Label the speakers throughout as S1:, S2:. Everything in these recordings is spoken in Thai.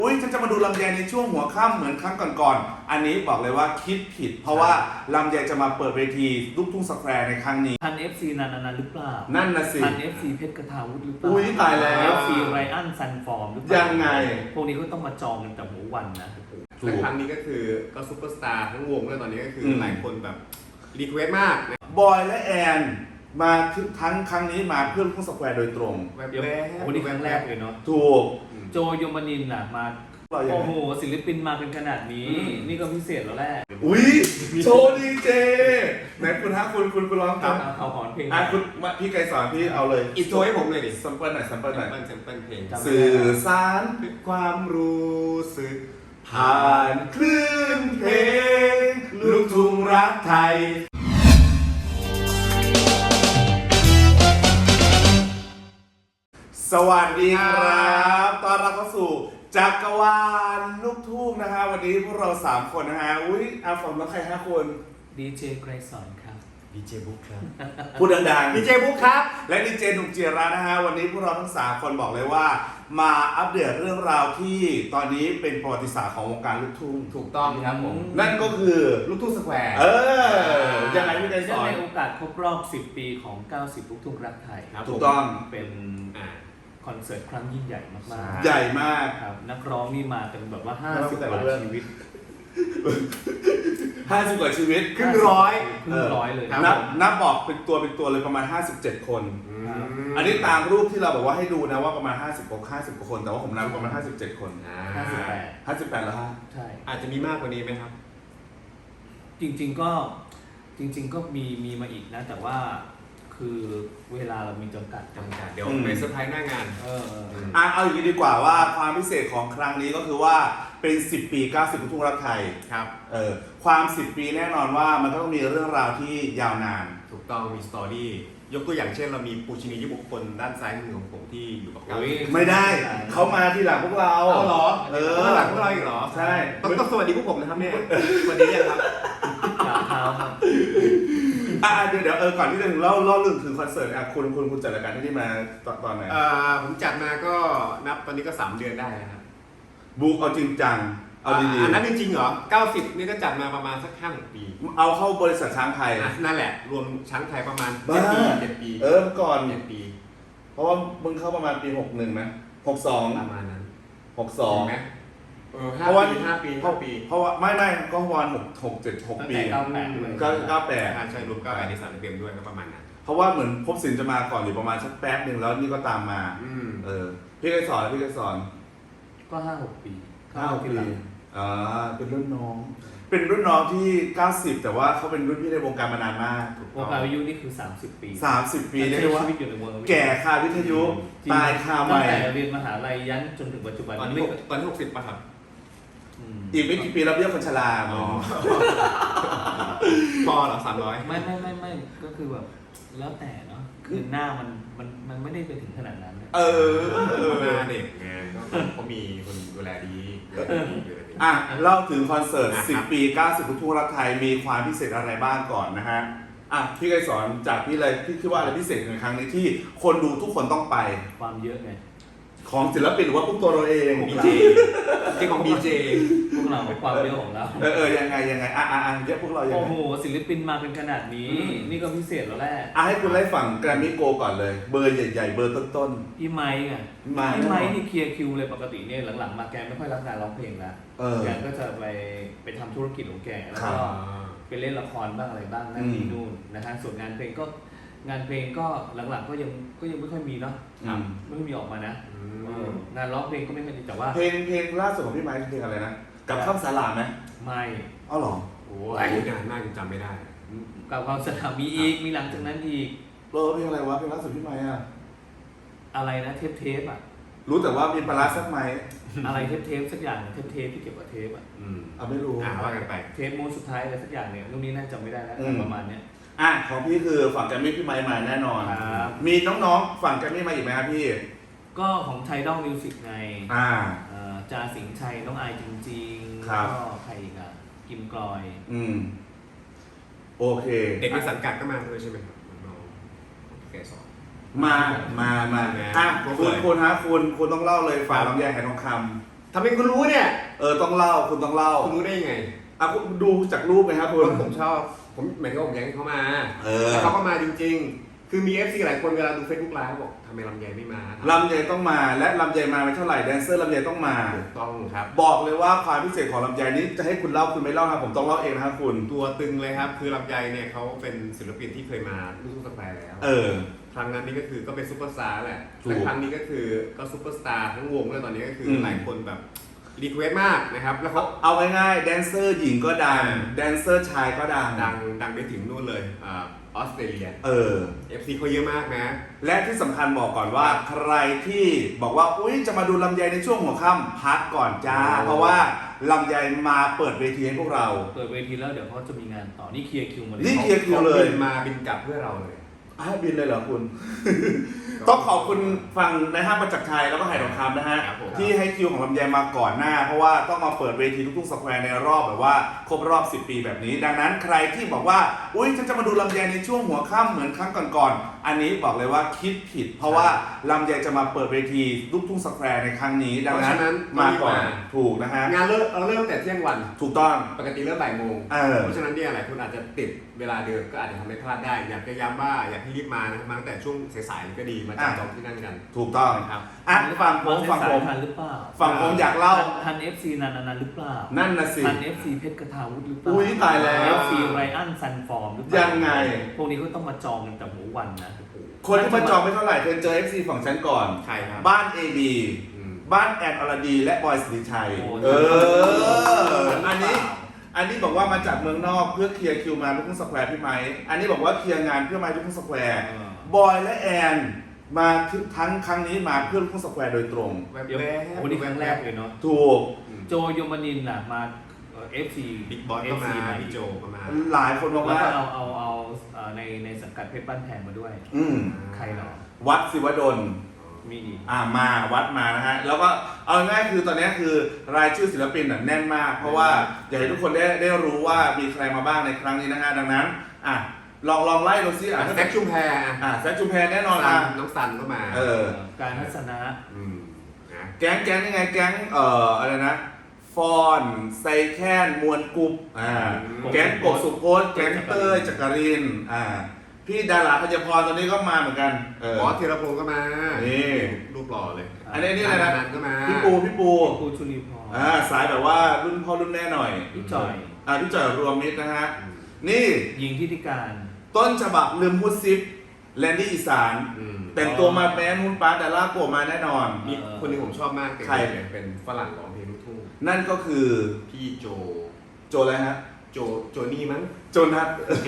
S1: อุ้ยฉันจะมาดูลำไยในช่วงหัวค่ำเหมือนครั้งก่อนๆอันนี้บอกเลยว่าคิดผิดเพราะว่าลำไยจะมาเปิดเวทีลูกทุ่งสแควร์ในครั้งนี้
S2: ทัน FC นันหรือเปล่า
S1: นั่นน่ะสิ
S2: ทัน FC เพชรกระทาวุฒิหรือเปล่า
S1: อุ้ยตายแล้ว
S2: FC ไรอันซันฟอร์มหรือเปล่า
S1: ยังไง
S2: พวกนี้ก็ต้องมาจองกันแต่หัววันนะ
S3: และครั้งนี้ก็คือก็ซุปเปอร์สตาร์ทั้งวงเลยตอนนี้ก็คือหลายคนแบบรีเควสต์มาก
S1: บอยและแอนมาทั้งครั้งนี้มาเพื่อลูกทุ่งสแควร์โดยตรง
S2: เดี๋ยววันนี้ครั้งแรกเลยเนาะ
S1: ถูก
S2: โจยมนินทร์น่ะมาโอ้โหศิลปินมาเป็นขนาดนี้นี่ก็พิเศษแล้วแหละ
S1: อุ้ยโชว์ดีเจไหนคุณฮะคุณร้องครับ
S2: เอาหอนเพลง
S1: คุณพี่ไกรสอนพี่เอาเลย
S3: อินโทรให้ผมเลยดิ
S1: ซัมเปิลหน่อยซัมเปิลหน่อย
S3: แซมเปิลเพลง
S1: สื่อสาร
S3: ความรู้สึก
S1: ผ่านคลื่นเพลงลูกทุ่งรักไทยสวัสดีครับต้อนรับเข้าสู่จักรวาลลูกทุ่งนะฮะวันนี้พวกเรา3คนนะฮะอุ้ยอาฝนแล้วใคร5คน
S2: ดีเจไกรสอนครับ
S3: ดีเจบุ๊กครับ
S1: พูดดังๆ
S3: ดีเจบุ๊กครับ
S1: และดีเจหนุ่มเจียระนะฮะวันนี้พวกเราทั้ง3คนบอกเลยว่ามาอัปเดตเรื่องราวที่ตอนนี้เป็นประวัติศาสตร์ของวงการลูกทุ่ง
S3: ถูกต้องครับผม
S1: นั่นก็คือ
S3: ลูกทุ่งสแควร์
S1: ยังไงพี่ไกรสอน
S2: ในโอกาสครบรอบ10 ปีของ90ลูกทุ่งรักไทย
S1: ถูกต้อง
S2: เป็นคอนเสิร์ตครั้งยิ่งใหญ่มาก
S1: ๆใหญ่มาก
S2: ครับนักร้องนี่มาเป็นแบบว่า50 กว่าชีวิต
S1: 50 กว่าชีวิต
S3: ครึ่งร้อย
S2: เลย
S1: นับบอกเป็นตัวเลยประมาณ57 คนอันนี้ตามรูปที่เราบอกว่าให้ดูนะว่าประมาณ50 กว่าคนแต่ว่าผมนับประมาณ57 คน58แล้วฮะ
S2: ใช่
S3: อาจจะมีมากกว่านี้ไหมครับ
S2: จริงๆก็มีมาอีกนะแต่ว่าคือเวลาเรามีจำกัด
S3: เดี๋ยวไปเซอร์ไพรส์หน้างาน
S1: เอาอย่างนี้ดีกว่าว่าความพิเศษของครั้งนี้ก็คือว่าเป็น10 ปี90ลูกทุ่งรักไทย
S3: ครับ
S1: ความ10 ปีแน่นอนว่ามันก็ต้องมีเรื่องราวที่ยาวนาน
S3: ถูกต้องมีสตอรี่ยกตัวอย่างเช่นเรามีปูชินียุบุคคลด้านซ้ายมือของผมที่อยู่กับเรา
S1: ไม่ได้เขามาทีหลังพวกเรา
S3: เหรอหลังพวกเราอีกเหรอ
S1: ใช่
S3: ต้องสวัสดีพวกผมนะครับเนี่ยสวัสดียังครับ
S2: เท้าครับ
S1: เดี๋ยวก่อนที่จะเล่าเรื่องถึงคอนเสิร์ตคุณจัดรายการที่นี่มาตอนไหน
S3: ผมจัดมาก็นับตอนนี้ก็3 เดือนได้ครับ
S1: บุ๊กเอาจริงจังเอาดี
S3: ๆอันนั้นจริงๆเหรอ90นี่ก็จัดมาประมาณสัก5-6 ปี
S1: เอาเข้าบริษัทช้างไทย
S3: นั่นแหละรวมช้างไทยประมาณ7 ปี
S1: ก่อน
S3: 7 ปี
S1: เพราะว่ามึงเข้าประมาณปี61นะ62
S3: ประมาณนั้น
S1: 62
S3: ไหม
S1: เพราะว่า
S3: 5 ปี
S1: เพราะว่าไม่ก็วัน6 ปี
S3: ใช่รวม98ใน3 เดือนด้วยก็ประมาณนั้น
S1: เพราะว่าเหมือนพบสินจะมาก่อนอยู่ประมาณสักแป๊บนึงแล้วนี่ก็ตามมาพี่เคยสอน
S2: ก็5-6 ปี
S1: 5-6 ปีเป็นรุ่นน้องที่90แต่ว่าเขาเป็นรุ่นพี่ในวงการมานานมาก
S2: วงการวิทยุนี่คือ30 ปี
S1: เรียกว่าแก่คาวิทยุตายคาใหม่
S2: ตั้งแต่เรียนมหาลัยยันจนถึงปัจจุบัน
S3: ตอนนี้60ป่ะครับ
S1: อีกไม่กี่ปีเราเรียกคนชรา
S3: พอเหรอ300
S2: ไม่ก็คือแบบแล้วแต่เนาะคือหน้ามันไม่ได้ไปถึงขนาดนั้น
S3: หน้าเด็กไงเขามีคนดูแลดี
S1: เล่าถึงคอนเสิร์ต10 ปี90ลูกทุ่งรักไทยมีความพิเศษอะไรบ้างก่อนนะฮะพี่ไกรสอนจากพี่เลยพี่คิดว่าอะไรพิเศษในครั้งนี้ที่คนดูทุกคนต้องไป
S2: ความเยอะไง
S1: ของศิลปินหรือว่าพวกตัวเราเอง
S3: ดีเจของดีเจ
S2: พวกเราความเยอะของเรา
S1: ยังไงเยอะพวกเรายังไง
S2: โอ้โหศิลปินมาเป็นขนาดนี้นี่ก็พิเศษแล้วแหละ
S1: ให้คุณไล่ฝั่งแกรมมี่โกก่อนเลยเบอร์ใหญ่ๆเบอร์ต้น
S2: ๆพี่ไมค์ไงพี่ไมค์นี่เคลียร์คิวเลยปกติเนี่ยหลังๆมาแกไม่ค่อยรับงานร้องเพลงแล้วแกก็จะไปทำธุรกิจของแกแล้วก็ไปเล่นละครบ้างอะไรบ้างนั่นนี่นู่นนะฮะส่วนงานเพลงก็หลังๆก็ยังไม่ค่อยมีเนาะไม่ค่อยมีออกมานะงานร้องเพลงก็ไม่ค่อยดีแต่ว่า
S1: เพลงล่าสุดของพี่ไมค์เพลงอะไรนะกับข้ามสาลาไหม
S2: ไม่
S1: หรอ
S3: โอ้ยนานมากจำไม่ได้
S2: กับข้ามสาลามีอีกมีหลังจากนั้นอีก
S1: เพลงอะไรวะเพลงล่าสุดพี่ไมค์
S2: อะไรนะเทป
S1: รู้แต่ว่ามีปลาร้าสักไหม
S2: อะไรเทปสักอย่างเทปที่เก็บกับเทป
S1: ไม่รู้
S3: ว่ากันไป
S2: เทปมูสุดท้ายอะไรสักอย่างเนี่ยรุ่นนี้น่าจำไม่ได้แล้วประมาณเนี้ย
S1: ของพี่คือฝั่งแกรมมี่พี่ไมค์มาแน่นอนมีน้องๆฝั่งแกรมมี่มาอีกไหมครับพี่
S2: ก็ของไทดอลมิวสิกไงจาสิงห์ชัยน้องอายจริงๆก็ใครอีกกิมกลอย
S1: โอเค
S3: เด็กในสังกัดก็มาด้วยใช่ไหมครับน้องแกสอน
S1: มาคุณต้องเล่าเลยฝ่ายลำไยไหทองคำ
S3: ทำไมคุณรู้เนี่ย
S1: ต้องเล่าคุณต้องเล่า
S3: คุณรู้ได้ยังไง
S1: คุณดูจากรูปไหมครับคุณ
S3: ผมชอบผมเหมือนกับผมแย้งเขามา
S1: แล้
S3: แล้วเขาก็มาจริงๆ คือมี FC หลายคนเวลาดู Facebook Live บอกทำไมลำไยไม่มา
S1: ลำไยต้องมาและลำไยมาไม่เท่าไหร่แดนเซอร์ลำไยต้องมา
S3: ถูกต้องครับ
S1: บอกเลยว่าความพิเศษของลำไยนี้จะให้คุณเล่าคุณไม่เล่าครับผมต้องเล่าเองนะครับคุณ
S3: ตัวตึงเลยครับ คือลำไยเนี่ยเขาเป็นศิลปินที่เคยมาลูกทุ่งสแควร์แล้ว ครั้งนั้นนี่ก็คือก็เป็นซุปเปอร์สตาร์แหละ
S1: ถูก
S3: และครั้งนี้ก็คือก็ซุปเปอร์สตาร์ทั้งวงเลยตอนนี้ก็คือหลายคนแบบรีเควสมากนะครับ แล้วเขา
S1: เอาง่ายๆแดนเซอร์หญิงก็ดังแดนเซอร์ชายก็ดัง
S3: ดังไปถึงนู่นเลยออสเตรเลีย FC เขาเยอะมากนะ
S1: และที่สำคัญบอกก่อนว่าใครที่บอกว่าอุ้ยจะมาดูลำไยในช่วงหัวค่ำพักก่อนจ้า เพราะว่าลำไยมาเปิดเวทีให้พวกเรา
S2: เปิดเวทีแล้วเดี๋ยวเขาจะมีงานต่อนี่เคลียร์คิวมาเลย
S1: นี่เคลียร์คิวเลย
S3: บินกลับเพื่อเราเลย
S1: บินเลยเหรอคุณ ต้องขอบคุณฝั่งในห้างประจักษ์ชัยแล้วก็ไหทองคำนะฮะ
S3: ครับผม
S1: ที่ให้คิวของลำไยมาก่อนหน้า เพราะว่าต้องมาเปิดเวทีลูกทุ่งสแควร์ในรอบแบบว่าครบรอบ 10 ปีแบบนี้ ดังนั้นใครที่บอกว่าอุ้ยฉันจะมาดูลำไยในช่วงหัวค่ำเหมือนครั้งก่อนๆอันนี้บอกเลยว่าคิดผิด เพราะว่าลำไยจะมาเปิดเวทีลูกทุ่งสแควร์ในครั้งนี้ ดังนั้นมาก่อนถูกนะฮะ
S3: งานเราเริ่มแต่เที่ยงวัน
S1: ถูกต้อง
S3: ปกติเริ่มบ่ายโมง
S1: เพ
S3: ราะฉะนั้นเนี่ยหลายคนอาจจะติดเวลาเดิมก็อาจจะทำให้พลาดได้ อยากจะย้ำว่าอยากให้รีบมานะครับมาตั้งแต่ช่วงสายๆก็ดีมาจับจองที่นั่นกัน
S1: ถูกต้อง
S3: ครับ
S1: ฝั่งผม
S2: ทันหรือเปล่า
S1: ฝั่งผมอยากเล่า
S2: ทัน FC นันหรือเปล่า
S1: นั่นน่ะสิ
S2: ทัน FC เพชรกระทาวุฒิหรือเปล่า
S1: อุ๊ยตายแล้ว
S2: FC ไรอันซันฟอร์มหรือเปล่า
S1: ยังไง
S2: พวกนี้ก็ต้องมาจองกันแต่หมูวันนะ
S1: คนที่มาจองไม่เท่าไหร่เธอเจอ FC ฝั่งฉันก่อน
S3: ใครครับ
S1: บ้าน AB
S3: อืม
S1: บ้านแอนอรดีและบอยสิริชัย
S2: โอ้
S1: อันนี้บอกว่ามาจากเมืองนอกเพื่อเคลียร์คิวมาลูกทุ่งสแควร์พี่ไม้อันนี้บอกว่าเคลียร์งานเพื่อมาลูกทุ่งสแควร์บอยและแอนมาทั้งครั้งนี้มาเพื่อลูกทุ่งสแควร์โดยตรง
S3: แวบ
S2: เดี๋ยว
S3: ๆ
S2: วันนี้ครั้งแรกเลยเนาะ
S1: ถูก
S2: โจยมนินทร์น่ะมาFC
S3: บิ๊กบอสก็มา
S2: ใหม่
S3: พี่โจก็มา
S1: หลายคนบอก
S2: แล้ว
S1: ว่า
S2: ก็เอาในสังกัดเพชรบ้านแพงมาด้วย ใครเนาะ
S1: วัดศิวดล
S2: มีอีก
S1: มาวัดมานะฮะแล้วก็เอาง่ายๆคือตอนนี้คือรายชื่อศิลปินแน่นมาก เพราะว่าอยากให้ทุกคนได้รู้ว่ามีใครมาบ้างในครั้งนี้นะฮะดังนั้นลองไล่ดูซิ
S3: แซคชุมแพร
S1: แซคชุมแพรแน่นอน
S3: น้องซันก็มา
S2: การทัศนะ
S3: นะ
S1: แก๊งยังไงแก๊งอะไรนะฟอนไซแคนมวลกรุ๊ปแก๊งกบสุโพจน์แก๊งเต้ยจักรินพี่ดาราพยพรตอนนี้ก็มาเหมือนกัน
S3: บอสธีรพงศ์ก็มา
S1: นี่
S3: รูปหล่อเลย
S1: อันนี้อะไรนะ
S3: ก็มา
S1: พี่ปู
S2: ปูชุลีพร
S1: สายแบบว่ารุ่นพ่อรุ่นแม่หน่อย
S2: พี่จอย
S1: พี่จอยรวมมิตรนะฮะนี่
S2: ยิงทิติการ
S1: ต้นฉบับลืมพูดซิปแลนดี้อีสานแต่งตัวมาแบนนุ่นป้าแต่ล่าโกมาแน่นอน
S3: มีคนหนึงผมชอบมาก
S1: ใคร
S3: เป็นฝรั่งร้องเพลงลูกทุ่ง
S1: นั่นก็คือ
S3: พี่โจ
S1: อะไรฮะ
S3: โจนี่มั้ง
S1: โจนัท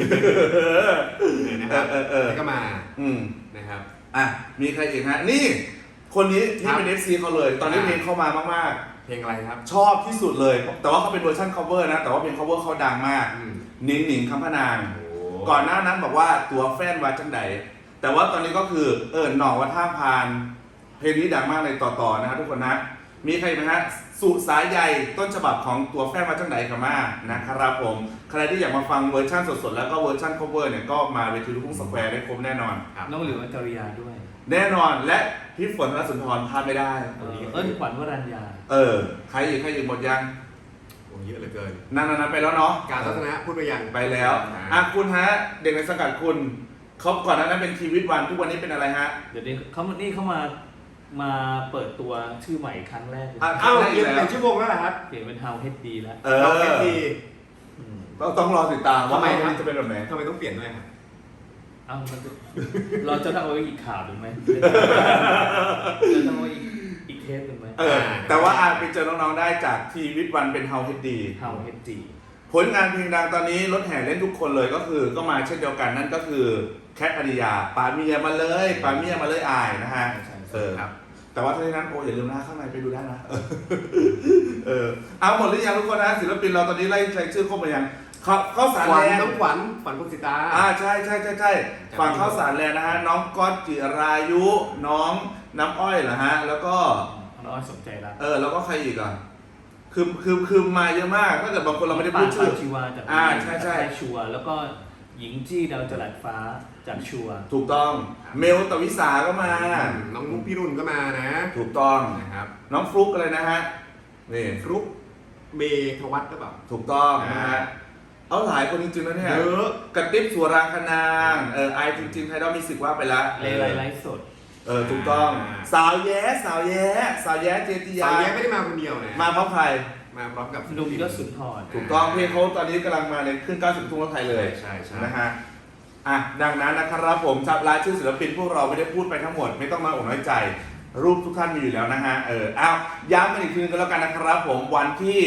S3: นะครับแล้วก็มานะครับ
S1: มีใครอีกฮะนี่คนนี้นี่เป็น FC เขาเลย ตอนนี้เพลงเข้ามามาก
S3: เพลงอะไรครับ
S1: ๆชอบที่สุดเลย แต่ว่าเขาเป็นเวอร์ชัน cover นะแต่ว่าเพลง cover เขาดังมากหนิงคำพนางก่อนหน้านั้นบอกว่าตัวแฟนว่าจังใดแต่ว่าตอนนี้ก็คือหน่องวัดท่าพานเพลงนี้ดังมากเลยต่อๆนะครับทุกคนนะมีใครไหมฮะสุสายใยต้นฉบับของตัวแฟนว่าจังใดกันมานะครับผมใครที่อยากมาฟังเวอร์ชันสดๆแล้วก็เวอร์ชัน cover เนี่ยก็มาเวทีลูกทุ่งสแควร์ได้ครบแน่นอน
S2: น้องหลิวอัจฉริยาด้วย
S1: แน่นอนและพี่ฝนธนสุนทรพลาดไม่ได้
S2: ขวัญวรัญญา
S1: ใครอีกหมดยัง
S3: โอ้เยอะเหลือเกิน
S1: นั่นไปแล้วเนาะ
S3: การทัศนะพูดไปยัง
S1: ไปแล้วคุณฮะเด็กในสังกัดคุณเขาก่อนหน้านั้นเป็นชีวิตวันทุกวันนี้เป็นอะไรฮะ
S2: เดี๋ยวนี้เขามาเปิดตัวชื่อใหม่ครั้งแรก
S3: อ้าวเปลี่ยนชื่อวงแล้วเหรอครับ
S2: เปลี่ยนเป็น How HD แล้ว
S3: เอาแค่ดี
S1: ต้องรอติดตามว่า
S3: ทำไมครับ
S1: จะเป็นแบบไหน
S3: ทำไมต้องเปลี่ยนด้วยครับ
S2: เราจะต้องเอาไว้อีกข่าวหรือไหมจะต้องเอาไว้อีกเทปหรือไหม
S1: แต่ว่าไปเจอน้องๆได้จากทีวิตวันเป็น How HD
S2: How HD
S1: ผลงานเพลงดังตอนนี้รถแห่เล่นทุกคนเลยก็มาเช่นเดียวกันนั่นก็คือแคทอริยาป่าเมียมาเลยอายนะฮะ
S3: ครับ
S1: แต่ว่าทั้งนี้นั้นอย่าลืมนะข้างในไปดูได้นะเอาหมดหรือยังทุกคนนะศิลปินเราตอนนี้ไล่ชื่อครบหรือยังเข้าสารแลนด์
S3: น้องขวัญพงศิตา
S1: ใช่ฝั่งเข้าสารแลนด์นะฮะน้องก๊อตจิรายุน้องน้ำอ้อยเหรอฮะแล้วก็
S2: น้องอ้อยสนใจรัก
S1: แล้วก็ใครอีกอ่ะคือมาเยอะมากถ้าเกิดบางคนเราไม่ได้พูดชื่อ
S2: ชีวาจากใช่ชัวแล้วก็หญิงจี้ดาวจรัสฟ้าจากชัว
S1: ถูกต้องเมลตวิสาก็มา
S3: น้องนุ๊กพี่รุ่นก็มานะ
S1: ถูกต้อง
S3: นะครับ
S1: น้องฟลุ๊กอะไรนะฮะนี่
S3: ฟลุ๊กเมธวัฒน์หรือเปล่า
S1: ถูกต้องนะฮะเอาหลายคนจริงๆนะเนี่ย
S3: เยอะ
S1: กระติ๊บสัวรางคนางไอจริงๆไทยดอลมีสิทธิ์ว่าไปละ
S2: ไลฟ์สด
S1: ถูกต้องสาวแย้สาวแย้เจติยา
S3: สาวแย้ไม่ได้มาคนเดียวนะ
S1: มาพร้อมใคร
S3: มาพร้อมกับ
S2: หนุ่มยศสุนทร
S1: ถูกต้องเพลงเขาตอนนี้กำลังมาในขึ้น90ทุ่งรถไทยเลย
S3: ใช่ใช่
S1: นะฮะดังนั้นนะครับผมจับรายชื่อศิลปินพวกเราไม่ได้พูดไปทั้งหมดไม่ต้องมาอกน้อยใจ รูปทุกท่านมีอยู่แล้วนะฮะย้ำกันอีกทีนึงก็แล้วกันนะครับผมวันที่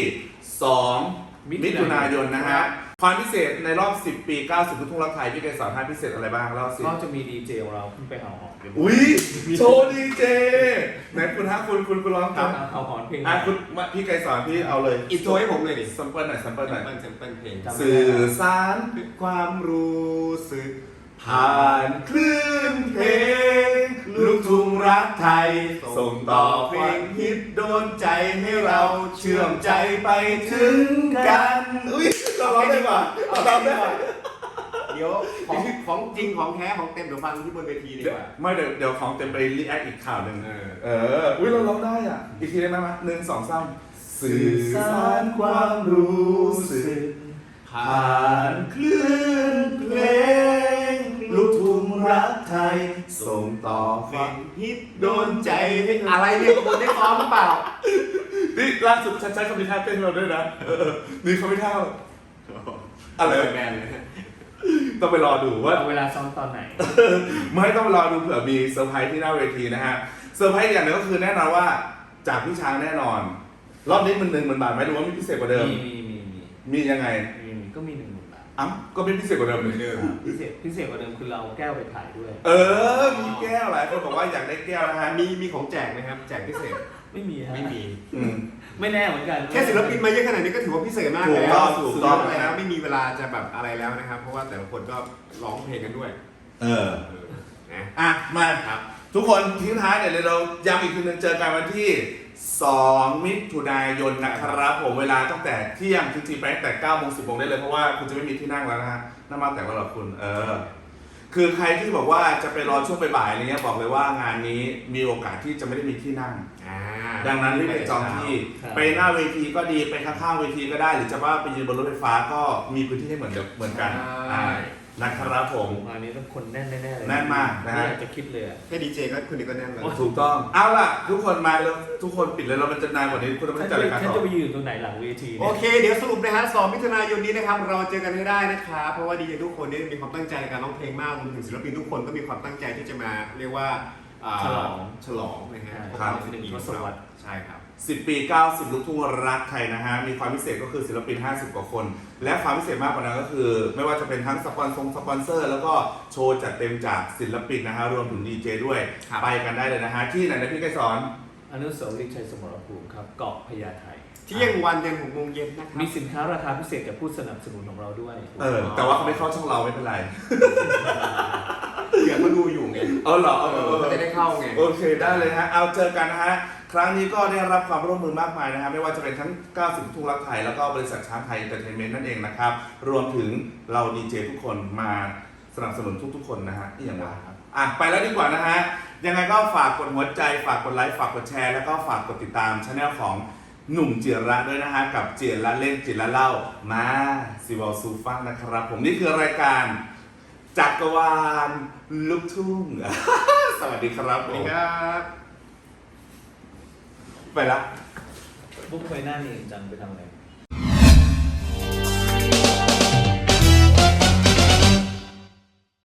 S1: 2มิถุนายนนะฮะความพิเศษในรอบ10ปี90ลูกทุ่งรักไทยพี่เกศสอนให้พิเศษอะไรบ้างเล่าสิ
S2: ก็จะมีดีเจของเราขึ้นไปเห่าหอน
S1: อุ้ยโชว์ดีเจไหนคุณฮะคุณร้องครับ
S2: เห่าหอนเพลง
S1: คุณพี่เกศสอนพี่เอาเลย
S3: อินโทรให้ผมเลยดิ
S1: ซัมเปิลหน่อยซัมเปิลหน่อย
S3: แซมเปิลเพลง
S1: สื่อสาร
S3: ความรู้สึก
S1: ผ่านคลื่นเพลงลูกทุ่งรักไทย ส่งต่อเพลงฮิตโดนใจให้เราเชื่อมใจไปถึงกัน อุ้ยเราร้องได้ป่ะเราร้องได้ป่ะ
S3: เดี๋ยวของจริงของแท้ของเต็มเดี๋ยวฟังที่บนเวทีดีกว่า
S1: ไม่เดี๋ยวของเต็มไปรีแอคอีกข่าวหนึ่ง
S3: เอ
S1: อุ้ยเราร้องได้อ่ะ อีกทีได้ไหม1 2 3สื่อสารความรู้สึกผ่านคลื่นเพลงลูกทุ่งรักไทย ส่งต่อ
S3: เพ
S1: ค
S3: ล
S1: วาม
S3: งฮิตโดนใจให้อะไรเนี่ยคุณได้ซ้อมหรือเปล่า
S1: นี่ล่าสุดฉันใช้คำนิท่าเต้นเราด้วยนะนี่เขาไม่เท่าอะไร
S3: แบนเลย
S1: ต้องไปรอดูว่า
S2: เอาเวลาซ้อมตอนไหน
S1: ไม่ต้องรอดูเผื่อมีเซอร์ไพรส์ที่หน้าเวทีนะฮะเซอร์ไพรส์อย่างหนึงก็คือแน่นอนว่าจากพี่ช้างแน่นอน รอบนี้มัน10,000 บาทไหมหรือว่ามีพิเศษกว่าเดิม มียังไง
S2: ก็มี10,000 บาท
S1: ก็เป็นพิเศษกว่าเดิมเลย
S2: พิเศษกว่าเดิมคือเราแก้วไปขายด้วย
S1: มีแก้วหลายคนบอกว่าอยากได้แก้วนะฮะ
S3: มีของแจกไหมครับ แจกพิเศษ
S2: ไม่มีฮะ
S3: ไม่มี
S1: อืม
S2: ไม่แน่เหมือนกัน
S3: แค่ศิลปินมาเยอะขนาดนี้ก็ถือว่าพิเศษมาก
S1: ถู
S3: แล้
S1: กต้
S3: ว
S1: องถูกต้อง
S3: แล้วไม่มีเวลาจะแบบอะไรแล้วนะครับ เพราะว่าแต่ละคนก็ร้องเพลงกันด้วย นะ
S1: มา
S3: ครับ
S1: ทุกคนทิ้งท้ายเดี๋ยวเราย้ำอีกทีนึงเจอกันวันที่2มิถุนายนนะครับผมเวลาตั้งแต่เที่ยงจริงๆไปตั้งแต่9 โมง 10 โมงได้เลยเพราะว่าคุณจะไม่มีที่นั่งแล้วนะฮะน่ามาแต่ว่าเราคุณคือใครที่บอกว่าจะไปรอช่วงบ่ายๆอะไรเงี้ยบอกเลยว่างานนี้มีโอกาสที่จะไม่ได้มีที่นั่ง ดังนั้นรีบไปจองที่ไปหน้าเวทีก็ดีไปข้างๆเวทีก็ได้ หรือจะว่าไปยืนบนรถไฟฟ้าก็มีพื้นที่ให้เหมือนกันนะครับผม
S2: งานนี้ต้องคนแน่นแน่ๆเลย
S1: แน่นมากนะฮะ
S2: ไม่อยากจะคิดเลยอะ
S3: แค่ดีเจก็คุณนี่ก็แน่นแล้ว
S1: ถูกต้องเอาล่ะทุกคนมาแล้วทุกคนปิดเลยเรามันจะนานกว่านี้คุณต้อง
S2: ฉั
S1: ไม่
S2: น
S1: จัดรายการ
S2: จะ
S1: ต่อ
S2: ไปยืนตรงไหนหลังเวที
S3: โอ
S2: เนี่ย
S3: เค เดี๋ยวสรุปนะฮะ2มิถุนายนนี้นะครับ เราเจอกันให้ได้นะครับ เพราะว่าดีเจทุกคนเนี่ยมีความตั้งใจในการร้องเพลงมากรวมถึงศิลปินทุกคนก็มีความตั้งใจที่จะมาเรียกว่าฉลองนะฮะ
S2: ครับ1 ทศวรรษ
S3: ใช่ครับ
S1: 10 ปี 90 ลูกทุ่งรักไทยนะฮะ มีความพิเศษก็คือศิลปิน 50 กว่าคน และความพิเศษมากกว่านั้นก็คือ ไม่ว่าจะเป็นทั้งสปอนเซอร์ แล้วก็โชว์จัดเต็มจากศิลปินนะฮะ รวมถึงดีเจด้วย
S3: ครับ
S1: ไปกันได้เลยนะฮะ ที่ไหนนะพี่ไกรสอน
S2: อนุสาวรีย์ชัยสมรภูมิครับเกาะพญาไท
S3: เที่ยงวันยัน6 โมงเย็นนะครับ
S2: มีสินค้าราคาพิเศษจากผู้สนับสนุนของเราด้วย
S1: แต่ว่าเขาไม่เข้าช่องเราไม่เป็นไร
S3: เผื่อเขาดูอยู่ไง
S1: เหรอ
S3: เขาจะได้เข้าไง
S1: โอเคได้เลยฮะ เอาเจอกันนะฮะ ครั้งนี้ก็ได้รับความร่วมมือมากมายนะฮะ ไม่ว่าจะเป็นทั้ง 90 ลูกทุ่งรักไทย แล้วก็บริษัทช้างไทยเอนเตอร์เทนเมนต์นั่นเองนะครับ รวมถึงเราดีเจทุกคนมาสนับสนุนทุกๆคนนะฮะที่อย่างไรไปแล้วดีกว่านะฮะ ยังไงก็ฝากกดหัวใจ ฝากกดไลค์ ฝากกดแชร์ แล้วก็ฝากกดติดตามช่องของหนุ่มเจียระด้วยนะฮะ กับเจียระเล่นเจียระเล่า มาซิวอลซูฟังนะครับ ผมนี่คือรายการจักรวาลลูกทุ่ง สวัสดีครับ
S3: ส
S1: ผ
S3: วัสดี
S1: ม
S3: ครับ
S1: ไปละ
S2: บุ๊กไปหน้านี่จังไปทำอะไร